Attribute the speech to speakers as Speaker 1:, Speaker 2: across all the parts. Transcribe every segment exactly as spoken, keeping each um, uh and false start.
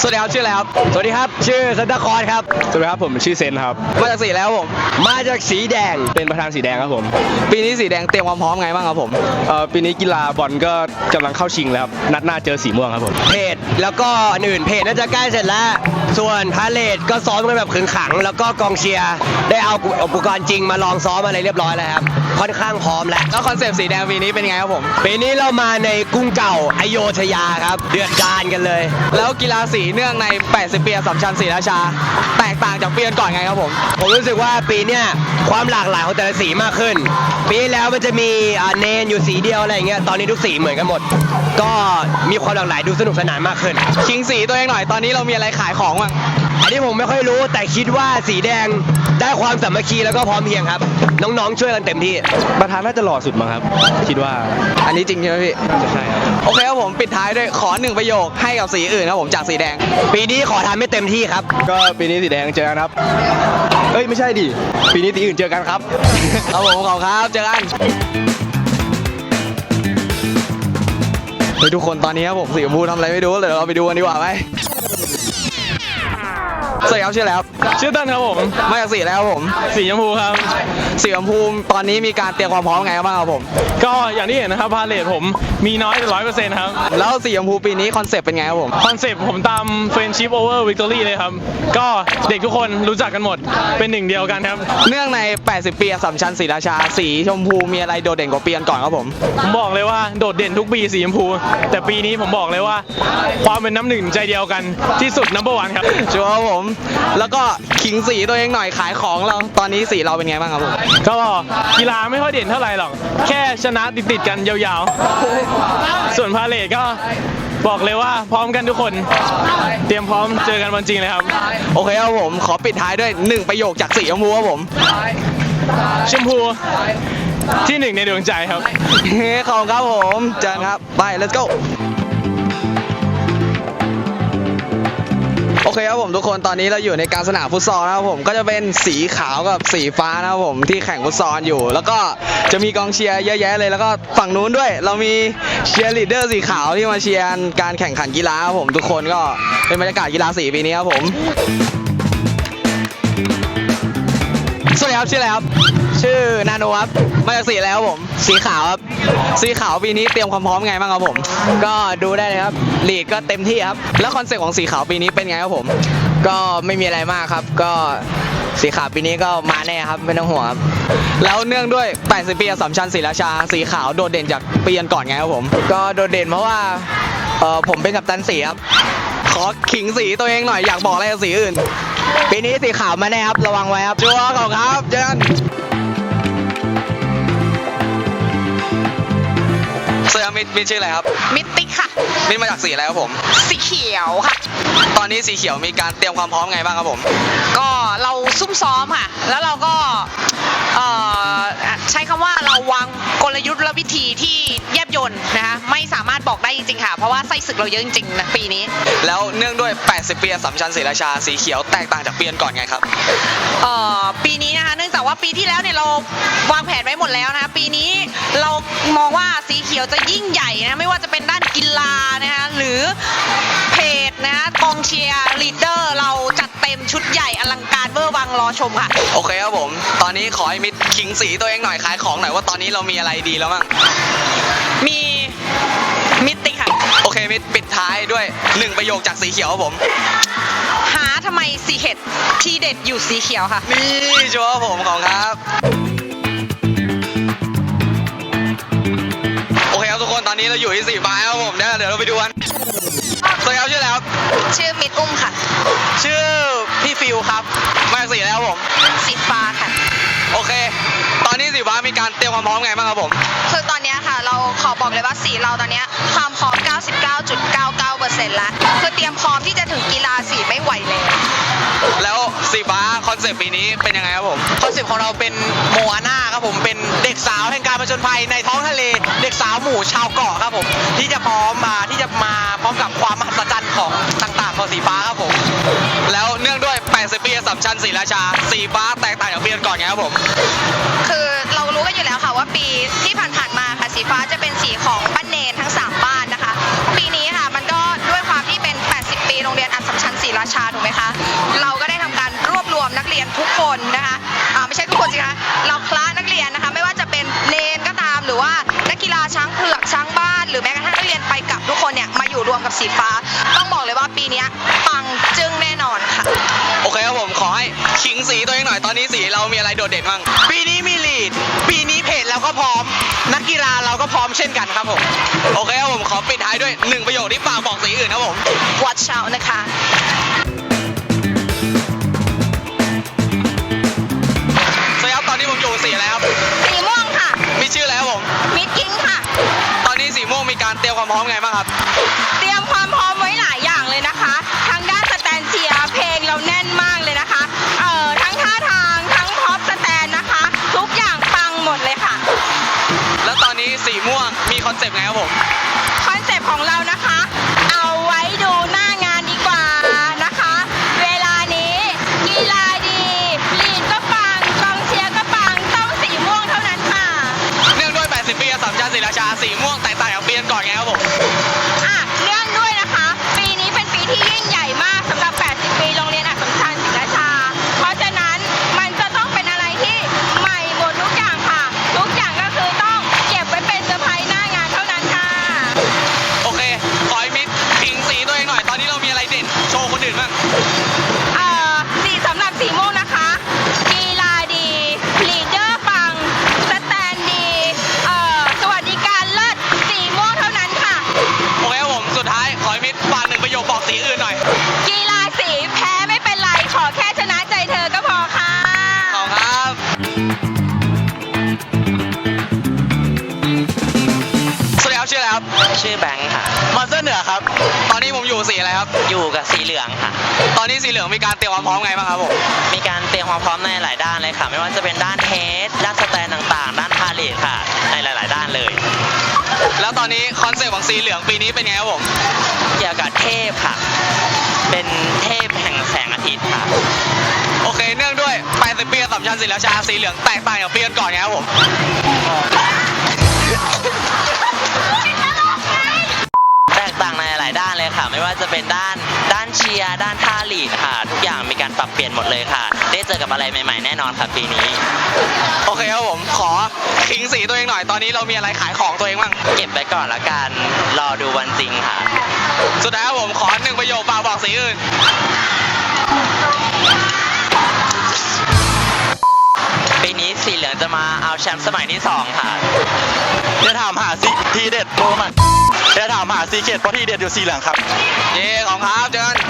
Speaker 1: สวัสดีครับชื่ออะไรครับสวัสดีครับชื่อซันตาคลอสครับสวัสดีครับผมชื่อเซนครับมาจากสีแล้วผมมาจากสีแดงเป็นประธานสีแดงครับผมปีนี้สีแดงเตรียมความพร้อมไงบ้างครับผมเอ่อปีนี้กีฬาบอลก็กำลังเข้าชิงแล้วครับนัดหน้าเจอสีม่วงครับผมเพจแล้วก็อันอื่นเพจน่าจะใกล้เสร็จแล้วส่วนพาเลทก็ซ้อมกันแบบขึงขังแล้วก็กองเชียร์ได้เอาอุปกรณ์จริงมาลองซ้อมอะไรเรียบร้อยแล้วครับค่อนข้างพร้อมแล้วแล้วคอนเซปต์สีแดงปีนี้เป็นไงครับผมปีนี้เรามาในกรุงเก่าอโยธยาครับเดือดดาลกันเลยแล้วกีฬาสีเนื่องในแปดสิบปีอัสสัมชัญศรีราชาแตกต่างจากปีก่อนไงครับผมผมรู้สึกว่าปีเนี้ยความหลากหลายของแต่ละสีมากขึ้นปีแล้วมันจะมีเนนอยู่สีเดียวอะไรอย่างเงี้ยตอนนี้ทุกสีเหมือนกันหมดก็มีความหลากหลายดูสนุกสนานมากขึ้นชิงสีตัวเองหน่อยตอนนี้เรามีอะไรขายของบ้างอันนี้ผมไม่ค่อยรู้แต่คิดว่าสีแดงได้ความสามัคคีแล้วก็พร้อมเพรียงครับน้องๆช่วยกันเต็มที่ประธานน่าจะหล่อสุดมั้งครับคิดว่าอันนี้จริงใช่ไหมพี่น่าจะใช่ครับโอเคครับผมปิดท้ายด้วยขอหนึ่งประโยคให้กับสีอื่นครับผมจากสีแดงปีนี้ขอทำให้เต็มที่ครับก็ปีนี้สีแดงเจอกันครับเอ้ยไม่ใช่ดิปีนี้สีอื่นเจอกันครับครับผมขอบครับเจอกันเฮ้ยทุกคนตอนนี้ครับผมสีชมพูทำอะไรไม่รู้เลยเราไปดูกันดีกว่าไหมสวัสดีครับชื่อแล้วชื่อเต้นครับผมมาจากสีแล้วผมสีชมพูครับสีชมพูตอนนี้มีการเตรียมความพร้อมไงบ้างครับผม
Speaker 2: ก็อย่างที่เห็นนะครับพาเลทผมมีน้อยแต่ร้อยเปอร์เซ็นต์ครับ
Speaker 1: แล้วสีชมพูปีนี้คอนเซปต์เป็นไงครับผม
Speaker 2: คอนเซปต์ผมตาม Friendship over Victory เลยครับก็เด็กทุกคนรู้จักกันหมดเป็นหนึ่งเดียวกันครับ
Speaker 1: เนื่องในแปดสิบปีอัสสัมชัญศรีราชาสีชมพูมีอะไรโดดเด่นกว่าปีก่อนครับผม
Speaker 2: ผมบอกเลยว่าโดดเด่นทุกปีสีชมพูแต่ปีนี้ผมบอกเลยว่าความเป็นน้ำหนึ่งใจเดียวกันที่สุด นัมเบอร์วัน ครับ
Speaker 1: ชัวร์ครับผมแล้วก็ขิงสีตัวเองหน่อยขายของเราตอนนี้สีเราเป็นไงบ้างครับผม
Speaker 2: ก็กีฬาไม่ค่อยเด่นเท่าไหร่หรอกแค่ชนะติดๆกันยาวๆส่วนพาเลทก็บอกเลยว่าพร้อมกันทุกคนเตรียมพร้อมเจอกันวันจริงเลยครับ
Speaker 1: โอเคครับผมขอปิดท้ายด้วยหนึ่งประโยคจากสีชมพูครับผม
Speaker 2: ชมพูที่หนึ่งในดวงใจครับ
Speaker 1: ขอบคุณครับผมเจอกันครับไป let's goโอเคครับผมทุกคนตอนนี้เราอยู่ในการสนามฟุตซอลนะครับผมก็จะเป็นสีขาวกับสีฟ้านะครับผมที่แข่งฟุตซอลอยู่แล้วก็จะมีกองเชียร์เยอะแยะเลยแล้วก็ฝั่งนู้นด้วยเรามีเชียร์ลีดเดอร์สีขาวที่มาเชียร์การแข่งขันกีฬาครับผมทุกคนก็เป็นบรรยากาศกีฬาสีปีนี้ครับผมสวัสดีครับชื่ออะไรครับชื่อนาโนครับมาจากสีแล้วผมสีขาวครับสีขาวปีนี้เตรียมความพร้อมไงบ้างครับผมก็ดูได้เลยครับลีดก็เต็มที่ครับแล้วคอนเซ็ปต์ของสีขาวปีนี้เป็นไงครับผมก็ไม่มีอะไรมากครับก็สีขาวปีนี้ก็มาแน่ครับไม่ต้องห่วงครับแล้วเนื่องด้วยแปดสิบปีอัสสัมชัญศรีราชาสีขาวโดดเด่นจากปีก่อนไงครับผมก็โดดเด่นเพราะว่าเออผมเป็นกัปตันสีครับขอขิงสีตัวเองหน่อยอยากบอกอะไรกับสีอื่นปีนี้สีขาวมาแน่ครับระวังไว้ครับชัวร์ของครับเจอกันเสื้อมิดมิดชื่ออะไรครับ
Speaker 3: มิตติค่ะ
Speaker 1: มิดมาจากสีอะไรครับผม
Speaker 3: สีเขียวค่ะ
Speaker 1: ตอนนี้สีเขียวมีการเตรียมความพร้อมไงบ้างครับผม
Speaker 3: ก็เราซุ่มซ้อมค่ะแล้วเราก็เอ่อใช้คำว่าเราวางกลยุทธ์และวิธีที่แยบยลนะคะไม่สามารถบอกได้จริงๆค่ะเพราะว่าไส้ศึกเราเยอะจริงๆนะปีนี้
Speaker 1: แล้วเนื่องด้วยแปดสิบปีอัสสัมชัญศรีราชาสีเขียวแตกต่างจากปีก่อนไงครับ
Speaker 3: เอ่อปีนี้นะคะเนื่องจากว่าปีที่แล้วเนี่ยเราวางแผนไว้หมดแล้วนะคะปีนี้เรามองว่าสีเขียวจะยิ่งใหญ่นะไม่ว่าจะเป็นด้านกีฬานะคะหรือเพจนะคะกองเชียร์ลีดเดอร์เราจัดเต็มชุดใหญ่อลังการเวอร์วังรอชมค่ะ
Speaker 1: โอเคครับผมตอนนี้ขอให้มิดขิงสีตัวเองหน่อยขายของหน่อยว่าตอนนี้เรามีอะไรดีแล้วมั้ง
Speaker 3: มีมิตติค่ะ
Speaker 1: โอเคมิดปิดท้ายด้วยหนึ่งประโยคจากสีเขียวครับผม
Speaker 3: หาทำไมสีเห็ดที่เด็ดอยู่สีเขียวค่ะ
Speaker 1: นี่ชัวร์ผมของครับโอเคครับทุกคนตอนนี้เราอยู่ที่สีฟ้าครับผมเดี๋ยวเดี๋ยวเราไปดูกันสวัสดีครับชื่ออะไรครับ
Speaker 3: ชื่อมิดอุ้มค่ะ
Speaker 1: ชื่อพี่ฟิวครับมาจากสีแล้วผม
Speaker 3: สีฟ้าค่ะ
Speaker 1: โอเคตอนนี้สีฟ้ามีการเตรียมความพร้อมไงบ้างครับผม
Speaker 3: คือตอนนี้ค่ะเราขอบอกเลยว่าสีเราตอนนี้ความพร้อม เก้าสิบเก้าจุดเก้าเก้าเปอร์เซ็นต์ แล้วคือเตรียมพร้อมที่จะถึงกีฬาสีไม่ไหวเลย
Speaker 1: แล้วสีฟ้าคอนเซปต์ปีนี้เป็นยังไงครับผม
Speaker 4: คอนเซปต์ของเราเป็นโมอาน่าครับผมเป็นเด็กสาวแห่งการผจญภัยในท้องทะเลเด็กสาวหมู่ชาวเกาะครับผมที่จะพร้อมมาที่จะมาพร้อมกับความมหัศจรรย์ของต่างๆของสีฟ้าครับผม
Speaker 1: แล้วเนื่องด้วยแปดสิบปีอัสสัมชัญศรีราชาสีฟ้าแตกต่างจากปีก่อนไงครับผม
Speaker 3: คือเรารู้กันอยู่แล้วค่ะว่าปีที่ผ่านๆมาค่ะสีฟ้าจะเป็นสีของบ้านเนนทั้งสามบ้านนะคะปีนี้ค่ะมันก็ด้วยความที่เป็นแปดสิบปีโรงเรียนอัสสัสัมชัญศรีราชาถูกไหมคะเราก็ได้ทำการรวบรวมนักเรียนทุกคนนะคะอ่าไม่ใช่ทุกคนสิคะเราคละนักเรียนนะคะไม่ว่าจะเป็นเนนก็ตามหรือว่านักกีฬาช้างเผือกช้างบ้านหรือแม้กระทั่งนักเรียนไปกับทุกคนเนี่ยมาอยู่รวมกับสีฟ้าต้องบอกเลยว่าปีเนี้ยปังจึ้งแน่นอนค่ะ
Speaker 4: โอเคครับผมขอให้ขิงสีตัวเองหน่อยตอนนี้สีเรามีอะไรโดดเด่นบ้างปีนี้มีลีดปีนี้เพจเราก็พร้อมนักกีฬาเราก็พร้อมเช่นกันครับผมโอเคครับผมขอปิดท้ายด้วยหนึ่งประโยคที่ฝากบอกสีอื่นครับผม
Speaker 3: watch out นะคะ
Speaker 4: สวัสดีครับตอนนี้ผมอยู่สีอะไรครับ
Speaker 3: สีม่วงค่ะ
Speaker 4: มีชื่ออะไรครับผม
Speaker 3: มิดกิ้งค่ะ
Speaker 4: ตอนนี้สีม่วงมีการเตรียมความพร้อมไงบ้างครับ
Speaker 3: เตรียมความพร้อมไว้หลายอย่างเลยนะคะทางด้านสแตนเชียร์เพลงเราแน่นมากเลยนะคะเอ่อทั้งท่าทางทั้งพ็อปสแตนนะคะ ทุกอย่างปังหมดเลยค่ะ
Speaker 4: แล้วตอนนี้สีม่วงมีคอนเซปต์ไงครับผม
Speaker 3: คอนเซปต์ของเรานะคะ เอาไว้ดูหน้างานดีกว่านะคะ เวลานี้กีฬาดีลีดก็ปังกองเชียร์ก็ปังต้องสีม่วงเท่านั้นค่ะ
Speaker 4: เนื่องด้วยแปดสิบปีสัมชัญศรีราชาสีม่วงแตกต่างจากปีก่อนไงครับผม
Speaker 3: อ่ะเนื่องด้วยนะคะ ปีนี้เป็นปีที่ยิ่งใหญ่มากสำหรับ แปดสิบ ปีโรงเรียนอัสสัมชัญศรีราชา เพราะฉะนั้นมันจะต้องเป็นอะไรที่ใหม่หมดทุกอย่างค่ะ ทุกอย่างก็คือต้องเก็บไว้เป็นเซอร์ไพรส์หน้างานเท่านั้นค่ะ
Speaker 4: โอเค ขอให้มิดขิงสีตัวเองหน่อย ตอนนี้เรามีอะไรเด่น โชว์คนอื่นบ้าง
Speaker 3: เอ่อสีสำหรับสีม่วงนะคะ กีฬาดีลีดเดอร์ปังสแตนดีเอ่อสวัสดิการเลิศสีม่วงเท่านั้นค่ะ
Speaker 4: โอเคครับผม สุดท้าย ขอให้มิดฝากหนึ่งประโยคบอกสีอื่นหน่อย
Speaker 3: กีฬาสีแพ้ไม่เป็นไร ขอแค่ชนะใจเธอก็พอค่ะ
Speaker 4: ขอบคุณครับ สวัสดีครับชื่ออะไรครับ
Speaker 5: ชื่อแบงค์ค่ะ
Speaker 4: มาสเตอร์เหนือครับ ตอนนี้ผมอยู่สีอะไรครับ
Speaker 5: อยู่กับสีเหลืองค่ะ
Speaker 4: ตอนนี้สีเหลืองมีการเตรียมความพร้อมไงบ้างครับผม
Speaker 5: มีการเตรียมความพร้อมในหลายด้านเลยค่ะ ไม่ว่าจะเป็นด้านเฮดด้านสแตนต่างๆ ด้านพาเลทค่ะ ในหลาย ๆ ด้านเลย
Speaker 4: แล้วตอนนี้คอนเซ็ปต์ของสีเหลืองปีนี้เป็นไงครับผม
Speaker 5: เกี่ยวกับเทพค่ะ เป็นเทพแห่งแสงอาทิตย์ค่ะ
Speaker 4: โอเค เนื่องด้วยแปดสิบปีสัมชัญศรีราชาสีเหลืองแตกต่างจากปีก่อนไงครับผม
Speaker 5: แตกต่างในหลายด้านเลยค่ะ ไม่ว่าจะเป็นด้านด้านเชียร์ ด้านท่าลีดค่ะ ทุกอย่างมีการปรับเปลี่ยนหมดเลยค่ะ ได้เจอกับอะไรใหม่ ๆ แน่นอนค่ะปีนี้
Speaker 4: โอเคครับผม ขอขิงสีตัวเองหน่อย ตอนนี้เรามีอะไรขายของตัวเองบ้าง
Speaker 5: เก็บไว้ก่อนละกัน รอดูวันจริงค่ะ
Speaker 4: สุดท้ายครับผมขอหนึ่งประโยคฝากบอกสีอื่น
Speaker 5: ปีนี้สีเหลืองจะมาเอาแชมป์สมัยที่สองค่ะ
Speaker 6: จะถามหาซีทีเด็ดโบมันจะถามหาซีเกตเพราะทีเด็ดอยู่สีเหลืองครับ
Speaker 4: เย้ของครับเจอกัน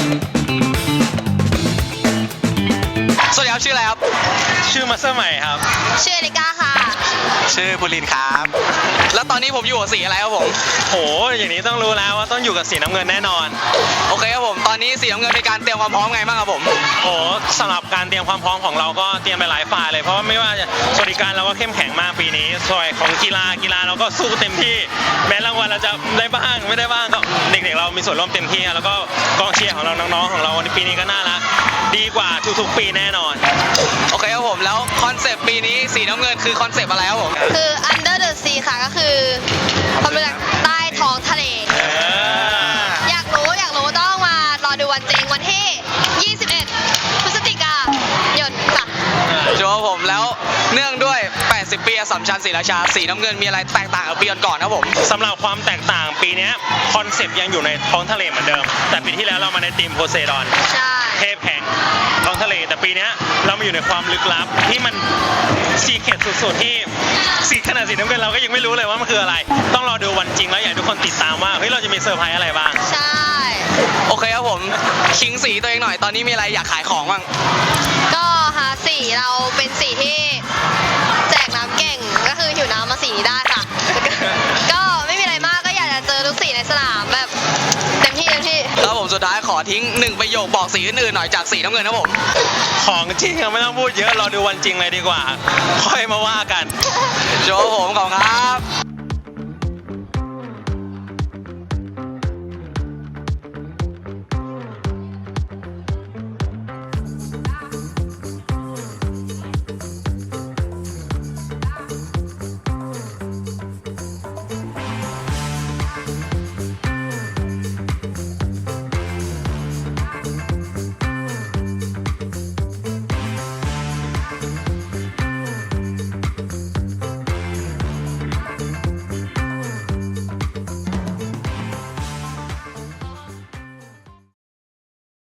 Speaker 4: สวัสดีครับชื่ออะไรครับ
Speaker 2: ชื่อมาสเตอร์ใหม่ครับ
Speaker 3: ชื่อเอลิก้าค่ะ
Speaker 6: ชื่อบุรินทร์ครับ
Speaker 4: แล้วตอนนี้ผมอยู่กับสีอะไรครับผม
Speaker 2: โห อย่างนี้ต้องรู้แล้วว่าต้องอยู่กับสีน้ำเงินแน่นอน
Speaker 4: โอเคครับผม ตอนนี้สีน้ำเงินมีการเตรียมความพร้อมไงบ้างครับผม
Speaker 2: โอ้สำหรับการเตรียมความพร้อมของเราก็เตรียมไปหลายฝ่ายเลย เพราะว่าไม่ว่าจะสวัสดิการเราก็เข้มแข็งมากปีนี้ส่วนของกีฬากีฬาเราก็สู้เต็มที่ แม้รางวัลเราจะได้บ้างไม่ได้บ้างก็เด็กๆเรามีส่วนร่วมเต็มที่แล้วก็กองเชียร์ของเราน้องๆของเราในปีนี้ก็น่ารักดีกว่าทุกๆปีแน่นอน
Speaker 4: โอเคครับผม แล้วคอนเซปต์ปีนี้สีน้ำเงินคือคอนเซปต์อะไรครับผม
Speaker 7: คือ under the sea ค่ะก็คือความรู้จักใต้ท้องทะเล
Speaker 2: เออ
Speaker 7: อยากรู้อยากรู้ต้องมารอดูวันจริงวันที่ ยี่สิบเอ็ด พฤศจิกายนค่ะ
Speaker 4: ชัวร์ครับผมแล้วเนื่องด้วยแปดสิบปีอัสสัมชัญศรีราชาสีน้ำเงินมีอะไรแตกต่างกับปีก่อนๆครับผม
Speaker 2: สำหรับความแตกต่างปีนี้คอนเซปต์ยังอยู่ในท้องทะเลเหมือนเดิม แต่ปีที่แล้วเรามาในทีมโพไซดอน
Speaker 7: ใช่
Speaker 2: เทพแห่งท้องทะเล แต่ปีเนี้ยเรามาอยู่ในความลึกลับที่มันซีเคร็ตสุดๆที่สีขนาดสีน้ำเงินเราก็ยังไม่รู้เลยว่ามันคืออะไร ต้องรอดูวันจริงแล้วอยากให้ทุกคนติดตามว่าเฮ้ยเราจะมีเซอร์ไพรส์อะไรบ้าง
Speaker 7: ใช่
Speaker 4: โอเคครับผมขิงสีตัวเองหน่อย ตอนนี้มีอะไรอยากขายของบ้าง
Speaker 7: ก็หาสีเราเป็นสีที่แจกน้ำเก่งก็คือหิวน้ำมาสีนี้ได้ค่ะ ก็ไม่มีอะไรมากก็อยากจะเจอทุกสีในสนามแบบเต็มที่เต็มที่
Speaker 4: แล้วผมสุดท้ายขอทิ้งหนึ่งประโยคบอกสีอื่นๆหน่อยจากสีน้ำเงินครับผม
Speaker 2: ของจริงอะไม่ต้องพูดเยอะรอดูวันจริงเลยดีกว่า ค่อยมาว่ากัน
Speaker 4: โจผมขอบคุณครับ